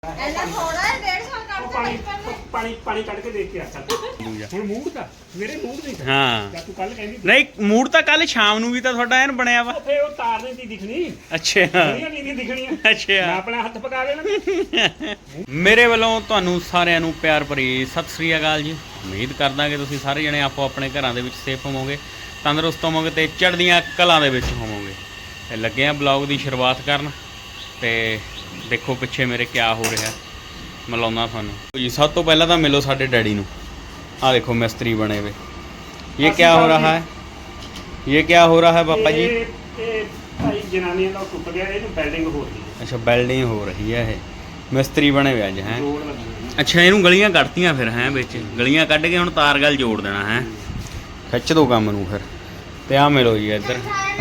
ਪਾਣੀ ਪਾਣੀ ਪਾਣੀ ਕੱਢ ਕੇ ਦੇਖ ਕੇ ਆ ਚੱਲ ਹੁਣ ਮੂਡ ਦਾ ਮੇਰੇ ਮੂਡ ਨਹੀਂ ਹਾਂ ਤੂੰ ਕੱਲ ਕਹਿੰਦੀ ਨਹੀਂ ਮੂਡ ਤਾਂ ਕੱਲ ਸ਼ਾਮ ਨੂੰ ਵੀ ਤਾਂ ਤੁਹਾਡਾ ਐਨ ਬਣਿਆ ਵਾ ਫੇ ਉਹ ਤਾਰ ਨਹੀਂ ਦਿਖਣੀ ਅੱਛਾ ਨਹੀਂ ਦਿਖਣੀ ਮੈਂ ਅੱਛਾ ਆਪਣਾ ਹੱਥ ਪਕਾ ਲੈਣਾ ਮੇਰੇ ਵੱਲੋਂ ਤੁਹਾਨੂੰ ਸਾਰਿਆਂ ਨੂੰ ਪਿਆਰ ਭਰੀ ਸਤਿ ਸ੍ਰੀ ਅਕਾਲ ਜੀ। ਉਮੀਦ ਕਰਦਾ ਕਿ ਤੁਸੀਂ ਸਾਰੇ ਜਣੇ ਆਪੋ ਆਪਣੇ ਘਰਾਂ ਦੇ ਵਿੱਚ ਸੇਫ ਹੋਵੋਗੇ, ਤੰਦਰੁਸਤ ਹੋਵੋਗੇ ਤੇ ਚੜ੍ਹਦੀਆਂ ਕਲਾਂ ਦੇ ਵਿੱਚ ਹੋਵੋਗੇ। ਤੇ ਲੱਗੇ ਆ ਬਲੌਗ ਦੀ ਸ਼ੁਰੂਆਤ ਕਰਨ ਤੇ ਦੇਖੋ ਪਿੱਛੇ ਮੇਰੇ ਕਿਆ ਹੋ ਰਿਹਾ, ਮਿਲਾਉਣਾ ਤੁਹਾਨੂੰ ਜੀ। ਸਭ ਤੋਂ ਪਹਿਲਾਂ ਤਾਂ ਮਿਲੋ ਸਾਡੇ ਡੈਡੀ ਨੂੰ। ਆ ਦੇਖੋ ਮਿਸਤਰੀ बने हुए। ये क्या हो रहा है? ये क्या हो रहा है पापा जी? ਭਾਈ ਜਨਾਨੀਆਂ ਦਾ ਟੁੱਟ ਗਿਆ, ਇਹਨੂੰ ਬਿਲਡਿੰਗ ਹੋ ਰਹੀ ਹੈ। अच्छा बिल्डिंग हो रही है। ਇਹ ਮਿਸਤਰੀ बने हुए ਅੱਜ ਹੈ। ਜੋੜ ਲੱਗਣਾ। ਅੱਛਾ ਇਹਨੂੰ ਗਲੀਆਂ ਕੱਢਤੀਆਂ ਫਿਰ ਹੈ, ਵਿੱਚ ਗਲੀਆਂ ਕੱਢ ਕੇ ਹੁਣ ਤਾਰ ਗੱਲ ਜੋੜ ਦੇਣਾ ਹੈ। ਖਿੱਚ ਦੋ ਕੰਮ ਨੂੰ ਫਿਰ। ਤੇ ਆ ਮਿਲੋ ਜੀ ਇੱਧਰ।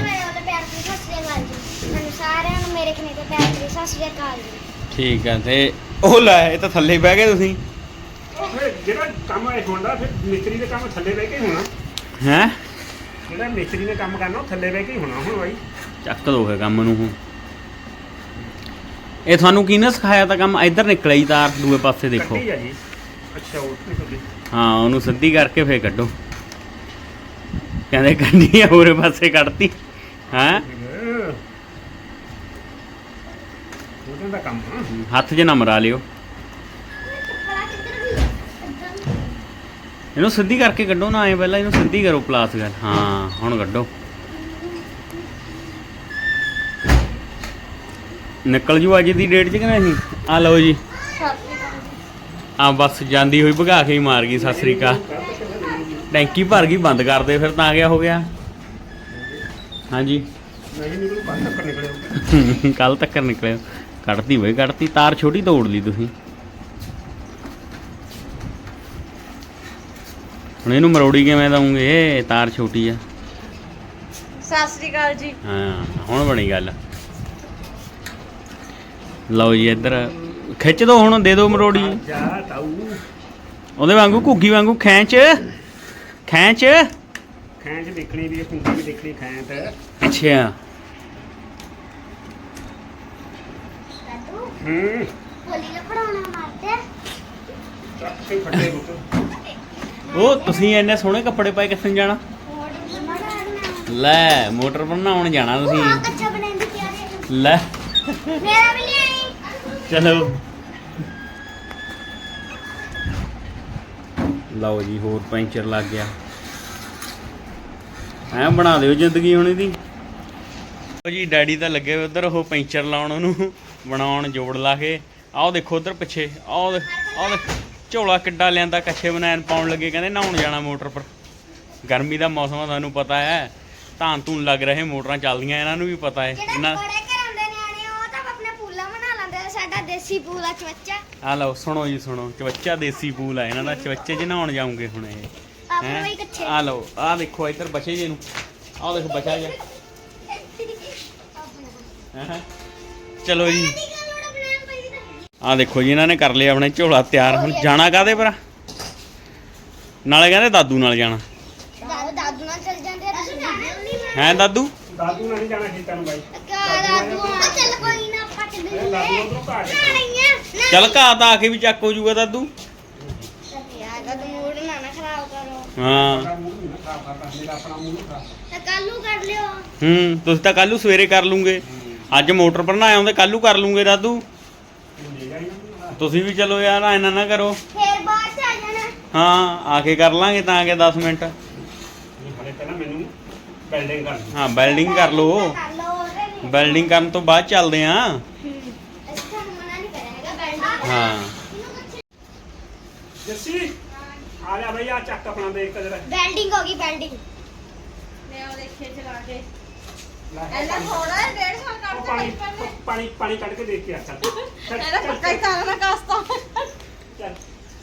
ਠੀਕ ਹੈ ਤੇ ਉਹ ਲੈ ਇਹ ਤਾਂ ਥੱਲੇ ਬਹਿ ਗਏ ਤੁਸੀਂ। ਜਿਹੜਾ ਕੰਮ ਇਹ ਹੁੰਦਾ ਫਿਰ ਮਿਸਤਰੀ ਦੇ ਕੰਮ ਥੱਲੇ ਬਹਿ ਕੇ ਹੀ ਹੋਣਾ ਹੈ। ਜਿਹੜਾ ਮਿਸਤਰੀ ਨੇ ਕੰਮ ਕਰਨਾ ਉਹ ਥੱਲੇ ਬਹਿ ਕੇ ਹੀ ਹੋਣਾ। ਹੁਣ ਬਾਈ ਚੱਕ ਦੋ ਫਿਰ ਕੰਮ ਨੂੰ। ਹੁਣ ਇਹ ਤੁਹਾਨੂੰ ਕਿਹਨੇ ਸਿਖਾਇਆ ਤਾਂ ਕੰਮ? ਇੱਧਰ ਨਿਕਲਿਆ ਜੀ ਤਾਰ ਦੂਏ ਪਾਸੇ ਦੇਖੋ। ਕੱਢੀ ਆ ਜੀ। ਅੱਛਾ ਉਹ ਨਿਕਲ ਗਈ। ਹਾਂ ਉਹਨੂੰ ਸਿੱਧੀ ਕਰਕੇ ਫੇਰ ਕੱਢੋ। ਕਹਿੰਦੇ ਕੱਢੀ ਆ ਹੋਰੇ ਪਾਸੇ ਕੱਢਤੀ ਹੈ। ਉਹਦਾ ਦਾ ਕੰਮ ਹੱਥ 'ਚ ਨਾ ਮਰਾ ਲਿਓ। ਇਹਨੂੰ ਸਿੱਧੀ ਕਰਕੇ ਕੱਢੋ ਨਾ, ਐ ਪਹਿਲਾਂ ਇਹਨੂੰ ਸਿੱਧੀ ਕਰੋ ਪਲਾਸ ਗੱਲ। ਹਾਂ ਹੁਣ ਕੱਢੋ। ਨਿਕਲ ਜੂ ਅੱਜ ਦੀ ਡੇਟ 'ਚ ਕਿ ਨਹੀਂ? ਆ ਲਓ ਜੀ। ਆ ਬਸ ਜਾਂਦੀ ਹੋਈ ਭਗਾ ਕੇ ਹੀ ਮਾਰ ਗਈ। ਸਤਿ ਸ੍ਰੀ ਅਕਾਲ। ਟੈਂਕੀ ਭਰ ਗਈ, ਬੰਦ ਕਰ ਦੇ ਫਿਰ ਤਾਂ ਗਿਆ ਹੋ ਗਿਆ। ਹਾਂਜੀ ਨਹੀਂ ਨਿਕਲੂ ਕੱਲ ਤੱਕ ਨਿਕਲਿਓ। ਕੱਲ ਤੱਕ ਨਿਕਲਿਓ। ਕੱਢਤੀ ਹੋਈ ਕੱਢਤੀ। ਤਾਰ ਛੋਟੀ ਤੋੜ ਲਈ ਤੁਸੀਂ। ਹੁਣ ਇਹਨੂੰ ਮਰੋੜੀ ਕਿਵੇਂ ਦਊਂਗੇ? ਤਾਰ ਛੋਟੀ ਆ। ਸਤਿ ਸ੍ਰੀ ਅਕਾਲ ਜੀ। ਹਾਂ ਹੁਣ ਬਣੀ ਗੱਲ। ਲਓ ਜੀ ਇੱਧਰ ਖਿੱਚ ਦੋ ਹੁਣ, ਦੇ ਦੋ ਮਰੋੜੀ। ਜਾ ਤਾਊ ਉਹਦੇ ਵਾਂਗੂ ਘੁੱਗੀ ਵਾਂਗੂ ਖੈਂਚ ਖੈਂਚ ਖੈਂਚ ਦੇਖਣੀ ਵੀ, ਕੁੰਡੀ ਵੀ ਦੇਖਣੀ ਖੈਂਚ। ਅੱਛਾ ਚੱਕ ਕੇ ਫੱਟੇ ਬੁੱਕ। ਉਹ ਤੁਸੀਂ ਇੰਨੇ ਸੋਹਣੇ ਕੱਪੜੇ ਪਾਏ ਕਿੱਥੇ ਜਾਣਾ? ਲੈ ਮੋਟਰ ਬਣਾਉਣ ਜਾਣਾ ਤੁਸੀਂ। ਲੈ ਚਲੋ ਲਓ ਜੀ ਹੋਰ ਪੈਂਚਰ ਲੱਗ ਗਿਆ। ਐ ਬਣਾ ਦਿਓ ਜ਼ਿੰਦਗੀ ਹੁਣ ਇਹਦੀ। ਲਓ ਜੀ ਡੈਡੀ ਤਾਂ ਲੱਗੇ ਹੋਏ ਉਧਰ ਉਹ ਪੈਂਚਰ ਲਾਉਣ, ਉਹਨੂੰ ਬਣਾਉਣ ਜੋੜ ਲਾ ਕੇ। ਆਓ ਦੇਖੋ ਉਧਰ ਪਿੱਛੇ। ਆਓ ਝੋਲਾ ਕਿੱਡਾ ਲਿਆਂਦਾ, ਕੱਛੇ ਬਨੈਣ ਪਾਉਣ ਲੱਗੇ। ਕਹਿੰਦੇ ਨਹਾਉਣ ਜਾਣਾ ਮੋਟਰ ਪਰ। ਗਰਮੀ ਦਾ ਮੌਸਮ ਆ, ਤੁਹਾਨੂੰ ਪਤਾ ਹੈ। ਧਾਨ ਧੂਨ ਲੱਗ ਰਹੇ, ਮੋਟਰਾਂ ਚੱਲਦੀਆਂ, ਇਹਨਾਂ ਨੂੰ ਵੀ ਪਤਾ ਹੈ। ਇਹਨਾਂ ਦੇਸੀ ਪੂਲ ਆ ਚਵੱਚਾ। ਆ ਲਓ ਸੁਣੋ ਜੀ ਸੁਣੋ, ਚਵੱਚਾ ਦੇਸੀ ਪੂਲ ਆ ਇਹਨਾਂ ਦਾ। ਚਵੱਚੇ 'ਚ ਨਹਾਉਣ ਜਾਉਂਗੇ ਹੁਣ ਇਹ ਹੈ। ਆ ਲਓ ਆ ਦੇਖੋ ਇੱਧਰ ਬਚੇ ਜੇ ਨੂੰ। ਆਹ ਦੇਖੋ ਬਚਾ ਜਾ। ਚਲੋ ਜੀ ਆ ਦੇਖੋ ਜੀ ਇਹਨਾਂ ਨੇ ਕਰ ਲਿਆ ਆਪਣੇ ਝੋਲਾ ਤਿਆਰ। ਹੁਣ ਜਾਣਾ ਕਾਹਦੇ ਪਰ? ਨਾਲੇ ਕਹਿੰਦੇ ਦਾਦੂ ਨਾਲ ਜਾਣਾ। ਦਾਦੂ ਨਾਲ ਚੱਲ ਜਾਂਦੇ ਆ ਤੁਸੀਂ। ਹੈ ਦਾਦੂ? ਦਾਦੂ ਨਾਲ ਨਹੀਂ ਜਾਣਾ ਖੇਤਾਂ ਨੂੰ ਬਾਈ। ਦਾਦੂ ਚੱਲ ਕੋਈ ਨਾ ਆਪਾਂ ਚੱਲ ਦਾਦੂ ਉਧਰੋਂ ਘਾਟ ਚੱਲ ਘਾਹ ਤਾਂ ਆ ਕੇ ਵੀ ਚੱਕ ਹੋ ਜੂਗਾ ਦਾਦੂ। ਯਾਰ ਦਾਦੂ ਮੂਡ ਨਾ ਖਰਾਬ ਕਰੋ। ਹਾਂ ਮੂੰਹ ਨਹੀਂ ਖਰਾਬ ਕਰਦਾ, ਮੇਰਾ ਆਪਣਾ ਮੂੰਹ ਨਹੀਂ ਖਰਾਬ। ਤਾਂ ਕੱਲੂ ਕਰ ਲਿਓ। ਤੁਸੀਂ ਤਾਂ ਕੱਲੂ ਸਵੇਰੇ ਕਰ ਲੂੰਗੇ। ਅੱਜ ਮੋਟਰ ਪਰ ਨਾ ਆਉਂਦੇ, ਕੱਲੂ ਕਰ ਲੂੰਗੇ ਦਾਦੂ। ਤੁਸੀਂ ਵੀ ਚਲੋ ਯਾਰ ਇਹਨਾਂ ਨਾ ਕਰੋ। ਫੇਰ ਬਾਅਦ ਚ ਆ ਜਾਣਾ। ਹਾਂ ਆ ਕੇ ਕਰ ਲਾਂਗੇ ਤਾਂ ਕਿ 10 ਮਿੰਟ। ਹਲੇ ਪਹਿਲਾਂ ਮੈਨੂੰ ਬਿਲਡਿੰਗ ਕਰਨੀ। ਹਾਂ ਬਿਲਡਿੰਗ ਕਰ ਲਓ। ਕਰ ਲਓ ਉਹਦੇ ਲਈ। ਬਿਲਡਿੰਗ ਕਰਨ ਤੋਂ ਬਾਅਦ ਚੱਲਦੇ ਆਂ। ਅੱਛਾ ਮਨਾ ਨਹੀਂ ਕਰਾਂਗਾ ਬੈਲਡਿੰਗ। ਹਾਂ ਜੱਸੀ ਆ ਲੈ ਬਈ, ਆ ਚੱਕ ਆਪਣਾ ਦੇਖ ਕੇ ਜਰਾ। ਬੈਲਡਿੰਗ ਹੋ ਗਈ ਬੈਲਡਿੰਗ। ਮੈਂ ਉਹ ਦੇਖੇ ਚਲਾ ਕੇ। ਐਨਾ ਥੋੜਾ 1.5 ਸਾਲ ਉਹ ਕੱਢ ਪਾਣੀ ਪਾਣੀ ਕੱਢ ਕੇ ਦੇਖ ਕੇ ਆ ਚੱਲ। ਇਹਦਾ ਪੱਕਾ ਹੀ ਤਾਰਾ ਨਾ ਕਾਸਤਾ। ਚੱਲ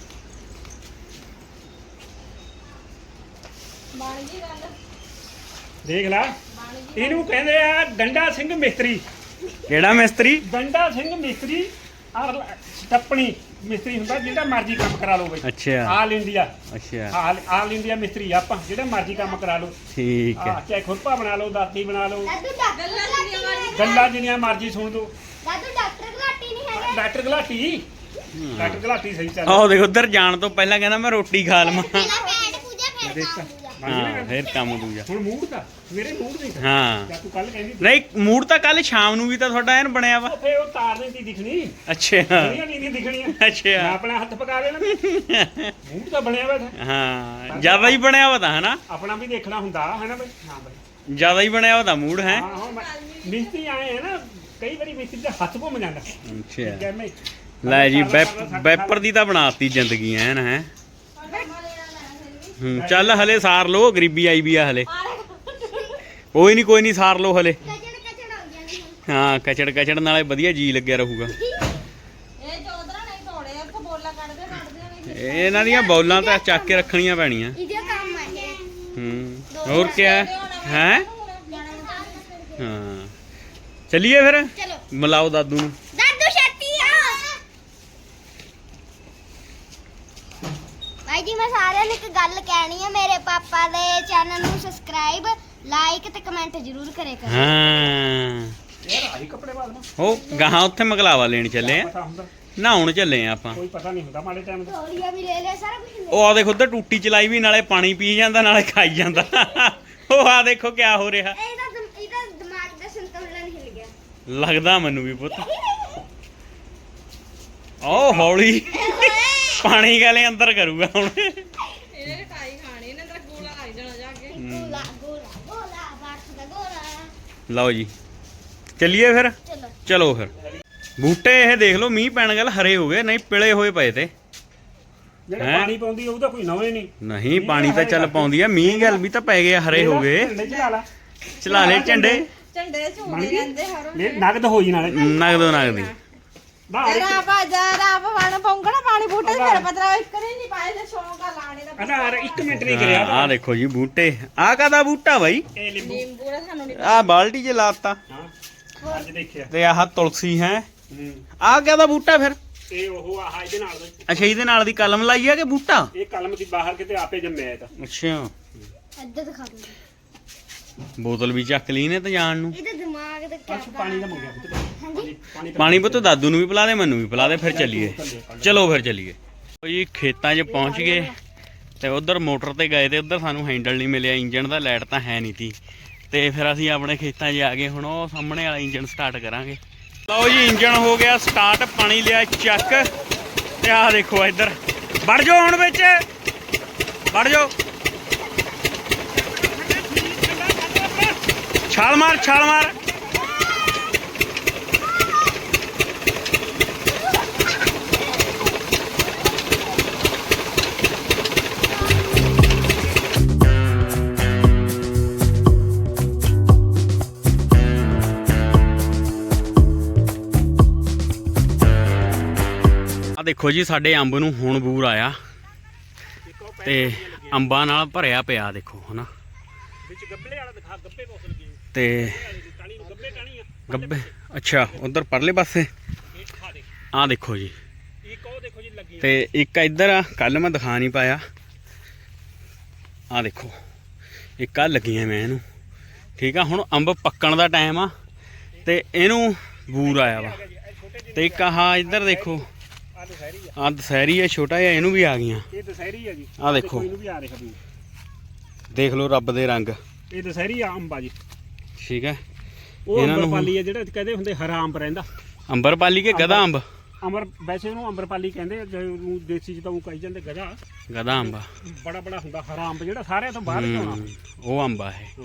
ਬਣ ਗਈ ਗੱਲ। ਦੇਖ ਲੈ, ਇਹਨੂੰ ਕਹਿੰਦੇ ਆ ਡੰਡਾ ਸਿੰਘ ਮਿਸਤਰੀ। ਕਿਹੜਾ ਮਿਸਤਰੀ? ਡੰਡਾ ਸਿੰਘ ਮਿਸਤਰੀ। ਆਹ ਸਟੱਪਣੀ ਮਿਸਤਰੀ ਹੁੰਦਾ, ਜਿਹੜਾ ਮਰਜ਼ੀ ਕੰਮ ਕਰਾ ਲਓ ਬਈ। ਅੱਛਾ ਆਲ ਇੰਡੀਆ। ਅੱਛਾ ਆਲ ਇੰਡੀਆ ਮਿਸਤਰੀ ਆਪਾਂ, ਜਿਹੜਾ ਮਰਜ਼ੀ ਕੰਮ ਕਰਾ ਲਓ। ਠੀਕ ਹੈ। ਚਾਹੇ ਖੁਰਪਾ ਬਣਾ ਲਓ, ਦਾਤੀ ਬਣਾ ਲਓ, ਦਾਦੂ ਡਾਕਟਰ ਘਲਾਟੀ ਨਹੀਂ ਹੈਗੇ। ਗੱਲਾਂ ਜਿੰਨੀਆਂ ਮਰਜ਼ੀ ਸੁਣ ਲਓ। ਦਾਦੂ ਡਾਕਟਰ ਘਲਾਟੀ ਨਹੀਂ ਹੈਗੇ। ਡਾਕਟਰ ਗਲਾਟੀ ਸਹੀ ਚੱਲ ਆਹ ਦੇਖ ਉਧਰ ਜਾਣ ਤੋਂ ਪਹਿਲਾਂ ਕਹਿੰਦਾ ਮੈਂ ਰੋਟੀ ਖਾ ਲਵਾਂ। ਪਹਿਲਾਂ ਪੈਟ ਪੂਜਾ ਫਿਰ ਦੇਖ ਕੰਮ ਤਾਂ। ਪੂਜਾ ਹਾਂ ਫਿਰ ਕੰਮ ਦੂਜਾ। ਹੁਣ ਮੂਡ ਦਾ ਮੇਰੇ ਮੂਡ ਨਹੀਂ ਤਾਂ ਹਾਂ ਜਾਂ ਤੂੰ ਕੱਲ ਕਹਿੰਦੀ ਨਹੀਂ ਮੂਡ ਤਾਂ ਕੱਲ ਸ਼ਾਮ ਨੂੰ ਵੀ ਤਾਂ ਤੁਹਾਡਾ ਐਨ ਬਣਿਆ ਵਾ। ਉਹ ਫੇ ਉਹ ਤਾਰ ਨਹੀਂ ਸੀ ਦਿਖਣੀ ਅੱਛਾ ਨਹੀਂ ਦਿਖਣੀਆਂ ਮੈਂ ਅੱਛਾ ਆਪਣਾ ਹੱਥ ਪਕਾ ਲੈਣਾ ਮੂਡ ਤਾਂ ਬਣਿਆ ਵਾ ਹਾਂ ਜ਼ਿਆਦਾ ਹੀ ਬਣਿਆ ਵਾ ਤਾਂ ਹਨਾ। ਆਪਣਾ ਵੀ ਦੇਖਣਾ ਹੁੰਦਾ ਹੈ ਨਾ ਬਈ ਹਾਂ ਬਈ ਜ਼ਿਆਦਾ ਹੀ ਬਣਿਆ ਵਾ ਤਾਂ ਮੂਡ ਹੈ। ਹਾਂ ਹਾਂ ਮਿਸਤਰੀ ਆਏ ਹੈ ਨਾ ਕਈ ਵਾਰੀ ਮਿਸਤਰੀ ਦਾ ਹੱਥ ਘੁੰਮ ਜਾਂਦਾ ਅੱਛਾ ਕਹਿੰਦੇ ਲੈ ਜੀ ਵੈਪਰ ਦੀ ਤਾਂ ਬਣਾਤੀ ਜ਼ਿੰਦਗੀ ਐਨ ਹੈ। ਚੱਲ ਹਲੇ ਸਾਰ ਲੋ ਗਰੀਬੀ ਆਈ ਵੀ ਆ ਹਲੇ। ਕੋਈ ਨਹੀਂ ਸਾਰ ਲੋ ਹਲੇ। ਕਚੜ ਹੋ ਜਾਂਦੀ ਹੁਣ ਹਾਂ ਕਚੜ ਨਾਲੇ ਵਧੀਆ ਜੀ ਲੱਗਿਆ ਰਹੂਗਾ। ਇਹ ਚੌਧਰਾ ਨਹੀਂ ਤੋੜੇ ਇੱਥੇ ਬੋਲਾ ਕੱਢਦੇ ਨਹੀਂ ਇਹਨਾਂ ਦੀਆਂ ਬੌਲਾਂ ਤਾਂ ਚੱਕ ਕੇ ਰੱਖਣੀਆਂ ਪੈਣੀਆਂ। ਇਹਦੇ ਕੰਮ ਆ ਹੋਰ ਕੀ ਹੈ ਜਾਣਾ ਹਾਂ ਚੱਲੀਏ ਫਿਰ ਚਲੋ ਮਿਲਾਓ ਦਾਦੂ ਨੂੰ। ਦਾਦੂ ਛੇਤੀ ਆ ਭਾਈ ਜੀ ਮੈਂ ਸਾਰਿਆਂ ਨੂੰ ਇੱਕ ਗੱਲ ਕਹਿਣੀ ਹੈ ਮੇਰੇ ਪਾਪਾ ਦੇ ਚੈਨਲ ਨੂੰ ਸਬਸਕ੍ਰਾਈਬ ਲਾਈਕ ਤੇ ਕਮੈਂਟ ਜ਼ਰੂਰ ਕਰਿਆ ਕਰੋ। ਹਾਂ ਯਾਰ ਆਹੀ ਕੱਪੜੇ ਪਾ ਲਵਾਂ ਉਹ ਗਾਹਾਂ ਉੱਥੇ ਮਗਲਾਵਾ ਲੈਣ ਚੱਲੇ ਆ ਪਤਾ ਹੁੰਦਾ ਨਹਾਉਣ ਚੱਲੇ ਆ ਆਪਾਂ। ਕੋਈ ਪਤਾ ਨਹੀਂ ਹੁੰਦਾ ਮਾੜੇ ਟਾਈਮ ਦਾ ਤੋਲੀਆ ਵੀ ਲੈ ਲਿਆ ਸਾਰਾ ਕੁਝ ਉਹ ਆ ਦੇਖੋ ਉਧਰ ਟੂਟੀ ਚਲਾਈ ਵੀ ਨਾਲੇ ਪਾਣੀ ਪੀ ਜਾਂਦਾ ਨਾਲੇ ਖਾਈ ਜਾਂਦਾ। ਉਹ ਆ ਦੇਖੋ ਕਿਆ ਹੋ ਰਿਹਾ ਇਹਦਾ ਦਿਮਾਗ ਦਾ ਸੰਤੁਲਨ ਹਿਲ ਗਿਆ ਲੱਗਦਾ ਮੈਨੂੰ ਵੀ ਪੁੱਤ। ਉਹ ਹੌਲੀ ਪਾਣੀ ਗਾਲੇ ਅੰਦਰ ਕਰੂਗਾ ਹੁਣ। ਇਹਨੇ ਟਾਈ ਖਾਣੀ ਇਹਨੇ ਤਾਂ ਗੋਲਾ ਲੱਗ ਜਾਣਾ ਜਾ ਕੇ ਗੋਲਾ ਬਾਕਸ ਦਾ ਗੋਲਾ। ਲਓ ਜੀ ਚੱਲੀਏ ਫਿਰ। ਚਲੋ ਚਲੋ ਫਿਰ ਬੂਟੇ ਇਹ ਦੇਖ ਲਓ ਮੀਂਹ ਪੈਣ ਗੱਲ ਹਰੇ ਹੋ ਗਏ ਨਹੀਂ ਪਿਲੇ ਹੋਏ ਪਏ ਤੇ। ਜਿਹੜਾ ਹੈਂ? ਪਾਣੀ ਪਾਉਂਦੀ ਉਹਦਾ ਕੋਈ ਨਵੇਂ ਨਹੀਂ ਨਹੀਂ ਪਾਣੀ ਤਾਂ ਚੱਲ ਪਾਉਂਦੀ ਆ ਮੀਂਹ ਗੱਲ ਵੀ ਤਾਂ ਪੈ ਗਏ ਹਰੇ ਹੋ ਗਏ। ਝੰਡੇ ਚਲਾ ਲਾ ਚਲਾ ਲੈ ਝੰਡੇ ਝੰਡੇ ਝੂਮਦੇ ਰਹਿੰਦੇ ਹਰ ਇਹ ਨਗਦ ਹੋ ਜੀ ਨਾਲੇ ਨਗਦੀ ਬਾਹਰ ਰਾਪ ਵਣ ਪੌਂਗਣਾ ਪਾਣੀ ਬੂਟੇ ਤੇ ਫਿਰ ਪਤਰਾ ਇੱਕ ਨਹੀਂ ਪਾਏ ਤੇ ਸ਼ੌਂਕ ਆ ਲਾਣੇ ਦਾ ਅਨਾਰ 1 ਮਿੰਟ ਨਹੀਂ ਕਰਿਆ ਆ ਦੇਖੋ ਜੀ ਬੂਟੇ ਆ ਕਾਦਾ ਬੂਟਾ ਬਾਈ ਇਹ ਲਿੰਬੂ ਨਿੰਬੂ ਦਾ ਸਾਨੂੰ ਨਹੀਂ ਆ ਬਾਲਟੀ 'ਚ ਲਾਤਾ ਹਾਂ ਅੱਜ ਦੇਖਿਆ ਤੇ ਆਹ ਤੁਲਸੀ ਹੈ ਹੂੰ ਆ ਕਾਦਾ ਬੂਟਾ ਫਿਰ। ਇਹ ਉਹ ਆਹ ਇਹਦੇ ਨਾਲ ਦਾ ਅੱਛਾ ਇਹਦੇ ਨਾਲ ਦੀ ਕਲਮ ਲਾਈ ਆ ਕਿ ਬੂਟਾ। ਇਹ ਕਲਮ ਦੀ ਬਾਹਰ ਕਿਤੇ ਆਪੇ ਜੰਮਿਆ ਇਹ ਤਾਂ ਅੱਛਾ ਇੱਧਰ ਦਿਖਾ ਦੋ ਬੋਤਲ ਵੀ ਚੱਕ ਲਈ ਨੇ ਤੇ ਜਾਣ ਨੂੰ। ਇਹਦੇ ਦਿਮਾਗ ਦਾ ਕੀ ਬਸ ਪਾਣੀ ਦਾ ਮੰਗਿਆ ਪੁੱਤ ਪਾਣੀ ਪਾਣੀ ਪੁੱਤ ਦਾਦੂ ਨੂੰ ਵੀ ਪਿਲਾ ਦੇ ਮੈਨੂੰ ਵੀ ਪਿਲਾ ਦੇ ਫਿਰ ਚੱਲੀਏ। ਚਲੋ ਫਿਰ ਚੱਲੀਏ ਜੀ ਖੇਤਾਂ 'ਚ ਪਹੁੰਚ ਗਏ ਤੇ ਉਧਰ ਮੋਟਰ ਤੇ ਗਏ ਤੇ ਉਧਰ ਸਾਨੂੰ ਹੈਂਡਲ ਨਹੀਂ ਮਿਲਿਆ ਇੰਜਣ ਦਾ ਲਾਈਟ ਤਾਂ ਹੈ ਨਹੀਂ ਤੀ ਤੇ ਫਿਰ ਅਸੀਂ ਆਪਣੇ ਖੇਤਾਂ 'ਚ ਆ ਗਏ। ਹੁਣ ਉਹ ਸਾਹਮਣੇ ਵਾਲਾ ਇੰਜਣ ਸਟਾਰਟ ਕਰਾਂਗੇ। ਲਓ ਜੀ ਇੰਜਣ ਹੋ ਗਿਆ ਸਟਾਰਟ ਪਾਣੀ ਲਿਆ ਚੱਕ ਤੇ ਆਹ ਦੇਖੋ ਇੱਧਰ ਵੜ ਜਾਓ ਹੁਣ ਵਿੱਚ ਵੜ ਜਾਓ ਛਾਲ ਮਾਰ ਆ ਦੇਖੋ ਜੀ ਸਾਡੇ ਅੰਬ ਨੂੰ ਹੁਣ ਬੂਰ ਆਇਆ ਤੇ ਅੰਬਾਂ ਨਾਲ ਭਰਿਆ ਪਿਆ ਦੇਖੋ ਹਨਾ। ਵਿੱਚ ਗੱਬਲੇ ਵਾਲਾ ਦਿਖਾ ਗੱਬੇ ਕੋਸ ਲੱਗੇ ਤੇ ਟਾਣੀ ਨੂੰ ਗੱਬੇ ਟਾਣੀ ਆ ਗੱਬੇ ਅੱਛਾ ਉਧਰ ਪਰਲੇ ਪਾਸੇ ਇਹ ਖਾ ਦੇ ਆ ਦੇਖੋ ਜੀ। ਇੱਕ ਉਹ ਦੇਖੋ ਜੀ ਲੱਗੀ ਤੇ ਇੱਕ ਇੱਧਰ ਆ ਕੱਲ ਮੈਂ ਦਿਖਾ ਨਹੀਂ ਪਾਇਆ ਆ ਦੇਖੋ ਇੱਕ ਆ ਲੱਗੀਆਂ ਮੈਂ ਇਹਨੂੰ ਠੀਕ ਆ। ਹੁਣ ਅੰਬ ਪੱਕਣ ਦਾ ਟਾਈਮ ਆ ਤੇ ਇਹਨੂੰ ਬੂਰ ਆਇਆ ਵਾ ਤੇ ਇੱਕ ਆਹ ਇੱਧਰ ਦੇਖੋ ਆ ਦਸਹਿਰੀ ਆ ਆ ਦਸਹਿਰੀ ਆ ਛੋਟਾ ਜਿਹਾ ਇਹਨੂੰ ਵੀ ਆ ਗਈਆਂ। ਇਹ ਦਸਹਿਰੀ ਆ ਜੀ ਆਹ ਦੇਖੋ। ਇਹਨੂੰ ਵੀ ਆ ਰਿਹਾ ਵੀ ਦੇਖ ਲਓ ਰੱਬ ਦੇ ਰੰਗ ਇਹ ਦਸਹਿਰੀ ਆ ਅੰਬਾ ਜੀ। ਠੀਕ ਹੈ ਉਹ ਇਹਨਾਂ ਨੂੰ ਅੰਬਰਪਾਲੀ ਆ ਜਿਹੜਾ ਕਹਿੰਦੇ ਹੁੰਦੇ ਹਰਾ ਅੰਬ ਰਹਿੰਦਾ ਅੰਬਰਪਾਲੀ ਕੇ ਗਧਾ ਅੰਬ ਅਮਰ ਵੈਸੇ ਉਹਨੂੰ ਅੰਬਰਪਾਲੀ ਕਹਿੰਦੇ ਜਿਹਨੂੰ ਦੇਸੀ ਚ ਤਾਂ ਉਹ ਕਹੀ ਜਾਂਦੇ ਗਧਾ ਗਧਾ ਅੰਬ ਬੜਾ ਬੜਾ ਹੁੰਦਾ ਹਰਾ ਅੰਬ ਜਿਹੜਾ ਸਾਰਿਆਂ ਤੋਂ ਬਾਹਰ ਜਾਣਾ ਉਹ ਅੰਬ ਆ ਇਹ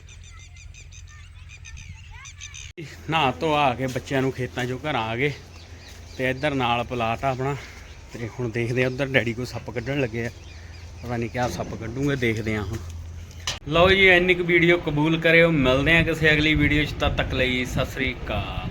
ਨਹਾ ਧੋ ਆ ਕੇ ਬੱਚਿਆਂ ਨੂੰ ਖੇਤਾਂ 'ਚੋਂ ਘਰ ਆ ਗਏ ਤੇ ਇੱਧਰ ਨਾਲ ਪਲਾਟ ਆ ਆਪਣਾ ਤੇ ਹੁਣ ਦੇਖਦੇ ਆ ਉੱਧਰ ਡੈਡੀ ਕੋਈ ਸੱਪ ਕੱਢਣ ਲੱਗੇ ਆ ਪਤਾ ਨਹੀਂ ਕਿਆ ਸੱਪ ਕੱਢੂਗੇ ਦੇਖਦੇ ਆ ਹੁਣ। ਲਓ ਜੀ ਇੰਨੀ ਕੁ ਵੀਡੀਓ ਕਬੂਲ ਕਰਿਓ ਮਿਲਦੇ ਆ ਕਿਸੇ ਅਗਲੀ ਵੀਡੀਓ 'ਚ ਤਦ ਤੱਕ ਲਈ ਸਤਿ ਸ੍ਰੀ ਅਕਾਲ।